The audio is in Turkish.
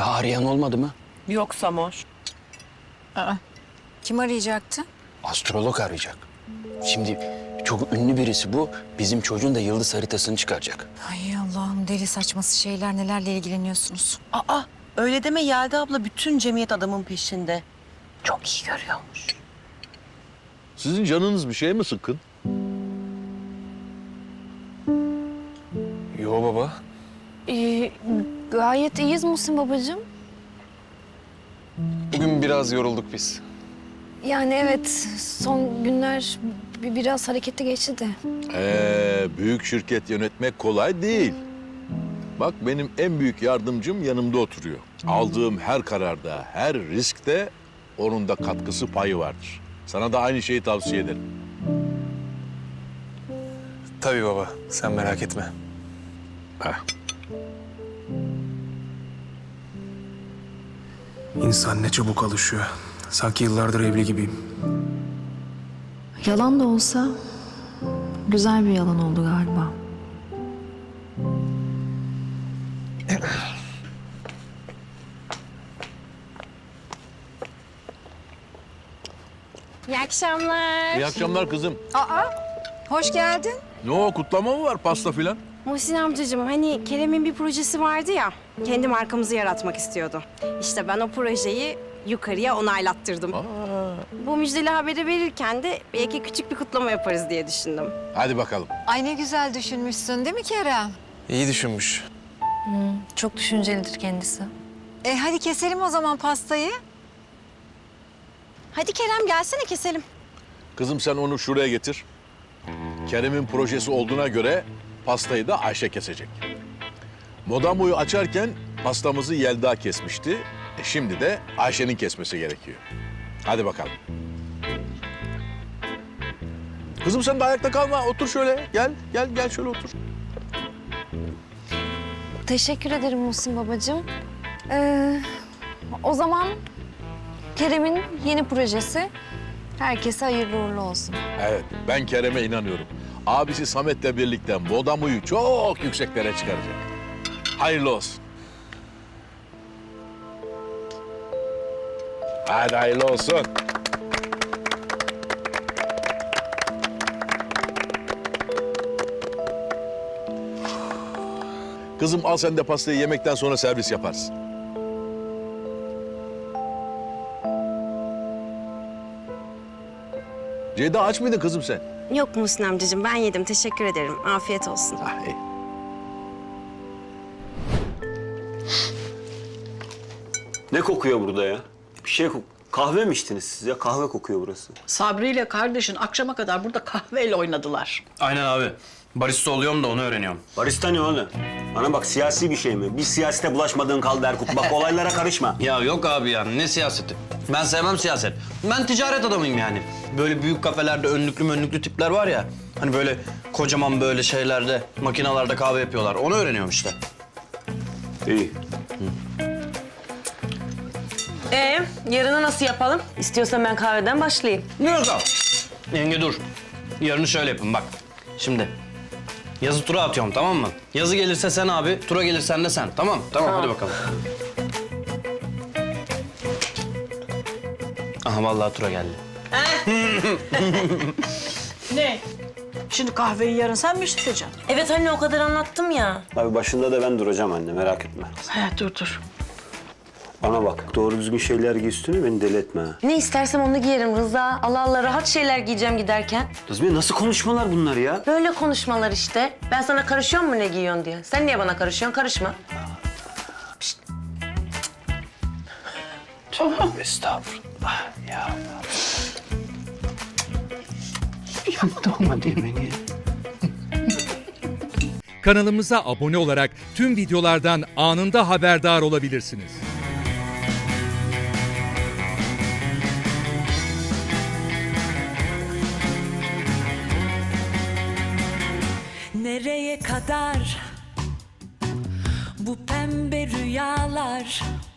Daha arayan olmadı mı? Yok Samoş. Kim arayacaktı? Astrolog arayacak. Şimdi çok ünlü birisi bu. Bizim çocuğun da yıldız haritasını çıkaracak. Ay Allah'ım, deli saçması şeyler, nelerle ilgileniyorsunuz. Aa, öyle deme Yelda abla, bütün cemiyet adamın peşinde. Çok iyi görüyormuş. Sizin canınız bir şey mi sıkkın? Yo baba. Gayet iyiyiz Muhsin babacığım. Bugün biraz yorulduk biz. Yani evet, son günler biraz hareketli geçti de. Büyük şirket yönetmek kolay değil. Bak benim en büyük yardımcım yanımda oturuyor. Aldığım her kararda, her riskte onun da katkısı payı vardır. Sana da aynı şeyi tavsiye ederim. Tabii baba, sen merak etme. Heh. İnsan ne çabuk alışıyor. Sanki yıllardır evli gibiyim. Yalan da olsa güzel bir yalan oldu galiba. İyi akşamlar. İyi akşamlar kızım. Hoş geldin. Ne o, kutlama mı var, pasta filan? Muhsin amcacığım, hani Kerem'in bir projesi vardı ya, kendi markamızı yaratmak istiyordu. İşte ben o projeyi yukarıya onaylattırdım. Bu müjdeli haberi verirken de belki küçük bir kutlama yaparız diye düşündüm. Hadi bakalım. Ay ne güzel düşünmüşsün değil mi Kerem? İyi düşünmüş. Çok düşüncelidir kendisi. Hadi keselim o zaman pastayı. Hadi Kerem, gelsene keselim. Kızım sen onu şuraya getir. Kerem'in projesi olduğuna göre pastayı da Ayşe kesecek. Modamoyu açarken pastamızı Yelda kesmişti. Şimdi de Ayşe'nin kesmesi gerekiyor. Hadi bakalım. Kızım sen de ayakta kalma. Otur şöyle. Gel şöyle otur. Teşekkür ederim Muhsin babacığım. O zaman Kerem'in yeni projesi herkese hayırlı uğurlu olsun. Evet, ben Kerem'e inanıyorum. Abisi Samet'le birlikte Modamo'yu çok yükseklere çıkaracak. Hayırlı olsun. Hadi hayırlı olsun. Kızım al sen de pastayı, yemekten sonra servis yaparsın. Ceyda aç mıydın kızım sen? Yok Muhsin amcacığım, ben yedim. Teşekkür ederim. Afiyet olsun. Ah, iyi. Ne kokuyor burada ya? Bir şey kahve mi içtiniz siz ya? Kahve kokuyor burası. Sabri ile kardeşin akşama kadar burada kahveyle oynadılar. Aynen abi. Barista oluyorum da onu öğreniyorum. Barista ne oğlum? Bana bak, siyasi bir şey mi? Bir siyasete bulaşmadığın kaldı Erkut. Bak olaylara karışma. Ya yok abi ya, ne siyaseti? Ben sevmem siyaset. Ben ticaret adamıyım yani. Böyle büyük kafelerde önlüklü tipler var ya. Hani böyle kocaman böyle şeylerde, makinalarda kahve yapıyorlar. Onu öğreniyorum işte. İyi. Yarını nasıl yapalım? İstiyorsan ben kahveden başlayayım. Yok abi. Yenge dur. Yarını şöyle yapın bak. Şimdi yazı tura atıyorum, tamam mı? Yazı gelirse sen abi, tura gelirsen de sen. Tamam. Hadi bakalım. Aha vallahi tura geldi. Ne? Şimdi kahveyi yarın sen mi içeceksin? Evet anne, o kadar anlattım ya. Abi başında da ben duracağım anne, merak etme. He, dur. Bana bak, doğru düzgün şeyler giy üstüne, beni deli etme ha. Ne istersem onu giyerim Rıza. Allah Allah, rahat şeyler giyeceğim giderken. Nazmiye, nasıl konuşmalar bunlar ya? Böyle konuşmalar işte. Ben sana karışıyor mu ne giyiyorsun diye. Sen niye bana karışıyorsun? Karışma. Estağfurullah ya. Kanalımıza abone olarak tüm videolardan anında haberdar olabilirsiniz. Nereye kadar bu pembe rüyalar?